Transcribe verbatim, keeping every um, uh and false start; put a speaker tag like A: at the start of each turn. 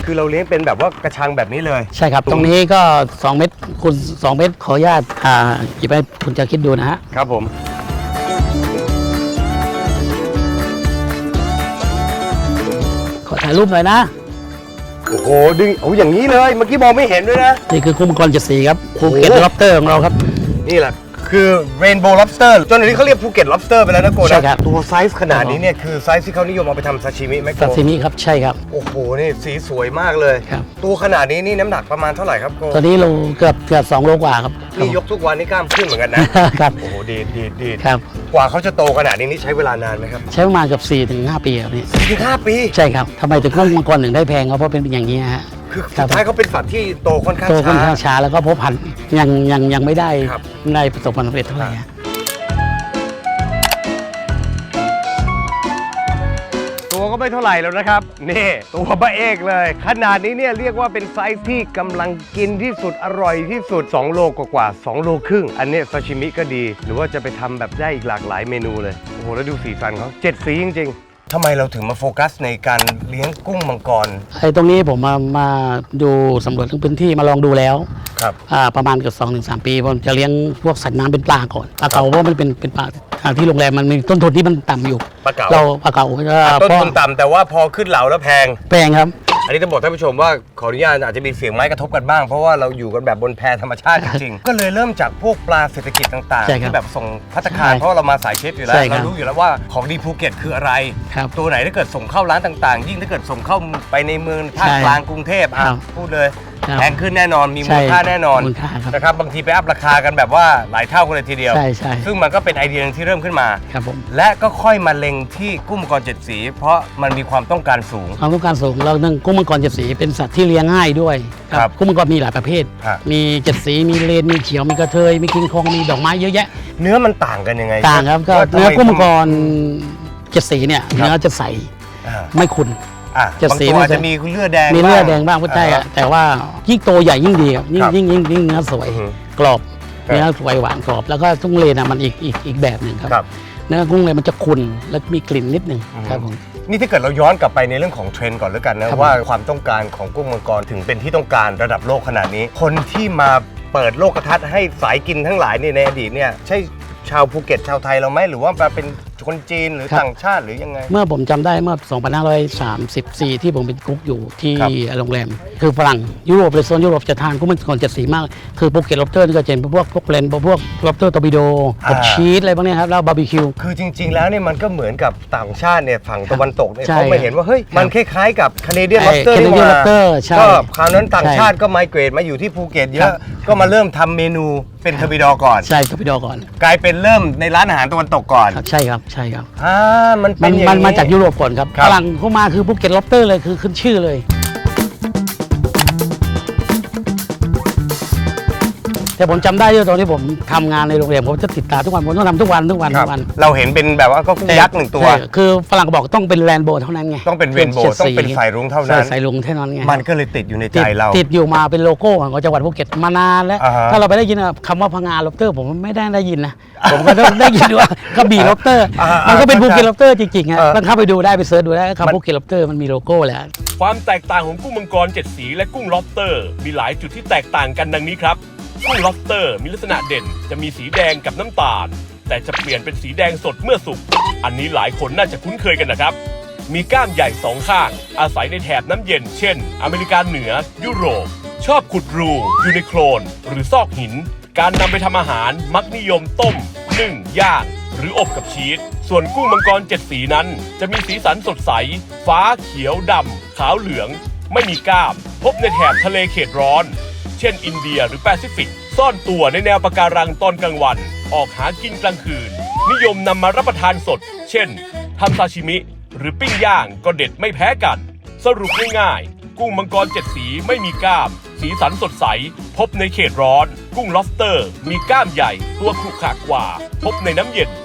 A: คือเราเลี้ยงเป็นแบบว่ากระชังแบบนี้เลย
B: ใช่ครับตรงนี้ก็สองเมตรคูณสองเมตรขออนุญาตอ่าหยิบให้คุณจะคิดดูนะฮะ
A: ครับผม
B: ขอถ่ายรูปหน่อยนะ
A: โอ้โหดึงโอ้อย่างนี้เลยเมื่อกี้มองไม่เห็นด้วยนะ
B: นี่คือกุ้งมังกรเจ็ดสีครับภูเก็ตล็อบสเตอร์ของเราครับ
A: นี่แหละคือเรนโบว์ lobster จนอันนี้เขาเรียกภูเก็ต lobster ไปแล้วนะโกนะใช่ครับตัวไซส์ขนาดนี้เนี่ยคือไซส์ที่เขานิยมเอาไปทำซาชิมิไหมโก
B: ซาชิมิครับใช่ครับ
A: โอ้โหนี่สีสวยมากเลยครับตัวขนาดนี้นี่น้ำหนักประมาณเท่าไหร่ครับโก
B: ตัวนี้โลเกือบเกือบสองโลกว่าครับ
A: นี่ยกทุกวันนี่กล้ามขึ้นเหมือนกันนะครับโอ้โหดีดีดีครับกว่าเขาจะโตขนาดนี้นี่ใช้เวลานานไหมครับ
B: ใช้ประมาณเกือบสี่ถึงห้าปีครับนี่
A: สี่ถึงห้าปี
B: ใช่ครับทำไมถึงกุ้งมังกรถึงได้แพงเพราะเป็นอย่างนี้ฮะ
A: คือสุดท้ายเขาเป็นสัตว์ที่โตค่อนข้าง
B: ช้าโตค่อนข้างช้าแล้วก็พบพันธุ์ยังยังยังไม่ได้ในประสบความสำเร็จเท่าไหร่
A: ตัวก็ไม่เท่าไหร่แล้วนะครับนี่ตัวบ้าเอกเลยขนาดนี้เนี่ยเรียกว่าเป็นไซส์ที่กำลังกินที่สุดอร่อยที่สุดสองโลกว่าๆสองโลครึ่งอันนี้ซาชิมิก็ดีหรือว่าจะไปทำแบบได้อีกหลากหลายเมนูเลยโอ้โหแล้วดูสีสันเขาเจ็ดสีจริงๆทำไมเราถึงมาโฟกัสในการเลี้ยงกุ้งมังกร
B: ไอ้ตรงนี้ผมมามาดูสำรวจทั้งพื้นที่มาลองดูแล้ว
A: ครับ
B: ประมาณเกือบสองถึงสามปีผมจะเลี้ยงพวกสัตว์น้ำเป็นปลาก่อนปลาเก๋าเพราะมันเป็นเป็นปลาที่โรงแรมมันมีต้นทุนที่มันต่ำอยู่
A: ปลาเก๋า
B: เราปลาเก๋า
A: ต้นทุนต่ำแต่ว่าพอขึ้นเหลาแล้วแพง
B: แพงครับ
A: อันนี้ต้องบอกท่านผู้ชมว่าขออนุญาตอาจจะมีเสียงไม้กระทบกันบ้างเพราะว่าเราอยู่กันแบบบนแพธรรมชาติจริงๆก็เลยเริ่มจากพวกปลาเศรษฐกิจต่างๆที่แบบส่งภัตตาคารเพราะเรามาสายเชฟอยู่แล้วเรารู้อยู่แล้วว่าของดีภูเก็ตคืออะไรตัวไหนถ้าเกิดส่งเข้าร้านต่างๆยิ่งถ้าเกิดส่งเข้าไปในเมืองภาคกลางกรุงเทพอ่ะพูดเลยแพงขึ้นแน่นอนมีมูลค่าแน่นอนนะครับบางทีไปอัพราคากันแบบว่าหลายเท่ากันเลยทีเดียวซึ่งมันก็เป็นไอเดียที่เริ่มขึ้นมาและก็ค่อยมาเล็งที่กุ้งมังกรเจ็ดสีเพราะมันมีความต้องการสูง
B: ความต้องการสูงเราเนื่องกุ้งมังกรเจ็ดสีเป็นสัตว์ที่เลี้ยงง่ายด้วยครับกุ้งมังกรมีหลายประเภทมีเจ็ดสีมีเลนมีเขียวมีกระเทยมีคิงคองมีดอกไม้เยอะแยะ
A: เนื้อมันต่างกันยังไง
B: ต่างครับก็เนื้อกุ้งมังกรเจ็ดสีเนี่ยเนื้อจะใสไม่ขุ่น
A: จะสีมันจะมีเลือดแดง
B: มีเลือดแดงบ้างก็ใช่แต่ว่ายิ่งโตใหญ่ยิ่งดีครับยิ่งยิ่งยิ่งยิ่งเนื้อสวยกรอบเนื้อสวยหวานกรอบแล้วก็กุ้งเลนมันอีกอีกอีกแบบหนึ่งครับเนื้อกุ้งเลนมันจะขุ่นแล้วมีกลิ่นนิดนึงครับผม
A: นี่ถ้าเกิดเราย้อนกลับไปในเรื่องของเทรนด์ก่อนแล้วกันนะว่าความต้องการของกุ้งมังกรถึงเป็นที่ต้องการระดับโลกขนาดนี้คนที่มาเปิดโลกทัศน์ให้สายกินทั้งหลายในอดีตเนี่ยใช่ชาวภูเก็ตชาวไทยเราไหมหรือว่าเป็นคนจีนหรือต่างชาติหรือยังไง
B: เมื่อผมจำได้เมื่อสองพันห้าร้อยสามสิบสี่ที่ผมเป็นกุ๊กอยู่ที่โรงแรมคือฝรั่งยุโรปเลยโซนยุโรปจะทานกุ้งมังกรเจ็ดสีมากคือภูเก็ตล็อบสเตอร์นี่ก็จะเป็นพวกพวกเลนพวกล็อบสเตอร์ตอร์ปิโดกับชีสอะไรพวกนี้ครับแล้วบาร์บีคิว
A: คือจริงๆแล้วเนี่ยมันก็เหมือนกับต่างชาติเนี่ยฝั่งตะวันตกเนี่ยเขาไม่เห็นว่าเฮ้ยมันคล้ายๆกับแคนาเดียนล็อบสเตอร์นี่หว่าก็คราวนั้นต่างชาติก็ไมเกรดมาอยู่ที่ภูเก็ตเยอะก็มาเริ่มทำเมนูเป็นทอร์ปิโดก่อน
B: ใช่ทอร์ปิโดก่อน
A: กลายเป็นเริ่มในร้านอาหารตะวันตกก่อน
B: ใช่ครับใช่ครับ
A: อ่ามันเป็นอย่างนี้
B: มันมาจากยุโรปก่อนครับฝรั่งเข้ามาคือภูเก็ตล็อบสเตอร์เลยคือขึ้นชื่อเลยแต่ผมจำได้ด้วยตอนที่ผมทำงานในโรงแรมผมจะติดตาทุกวันผมต้องทำทุกวันทุกวันทุกวัน
A: เราเห็นเป็นแบบว่าก็กุ้งยักษ์หนึ่งตัว
B: คือฝรั่งบอกต้องเป็นแรนโบว์เท่านั้นไง
A: ต้องเป็นเรนโบว์ต้องเป็นสายรุ้งเท่านั้น
B: สายรุ้งเท่านั้นไง
A: มันก็เลยติดอยู่ในใจเรา
B: ติดอยู่มาเป็นโลโก้ของจังหวัดภูเก็ตมานานแล้วถ้าเราไปได้ยินคำว่าพังงาล็อบสเตอร์ผมไม่ได้ได้ยินนะผมก็ได้ยินว่ากระบี่ล็อบสเตอร์มันก็เป็นภูเก็ตล็อบสเตอร์จริงๆฮะต้องเข้าไปดูได้ไปเสิร์ชดูได้คำภูเก็ตล็อบสเตอร์มันมีโลโก้แล้ว
C: ความแตกต่างของกุ้งมังกรเจ็ดสีและกุ้งล็อบสเตอร์มีหลายจุดที่แตกต่างกันดังนี้ครับกุ้งล็อบสเตอร์มีลักษณะเด่นจะมีสีแดงกับน้ำตาลแต่จะเปลี่ยนเป็นสีแดงสดเมื่อสุกอันนี้หลายคนน่าจะคุ้นเคยกันนะครับมีก้ามใหญ่สองข้างอาศัยในแถบน้ำเย็นเช่นอเมริกาเหนือยุโรปชอบขุดรูอยู่ในโคลนหรือซอกหินการนำไปทำอาหารมักนิยมต้มนึ่งย่างหรืออบกับชีสส่วนกุ้งมังกรเจ็ดสีนั้นจะมีสีสันสดใสฟ้าเขียวดำขาวเหลืองไม่มีก้ามพบในแถบทะเลเขตร้อนเช่นอินเดียหรือแปซิฟิกซ่อนตัวในแนวปะการังตอนกลางวันออกหากินกลางคืนนิยมนำมารับประทานสดเช่นทำซาชิมิหรือปิ้งย่างก็เด็ดไม่แพ้กันสรุปง่ายๆกุ้งมังกรเจ็ดสีไม่มีก้ามสีสันสดใสพบในเขตร้อนกุ้งล็อบสเตอร์มีก้ามใหญ่ตัวขรุขระกว่าพบในน้ำเย็น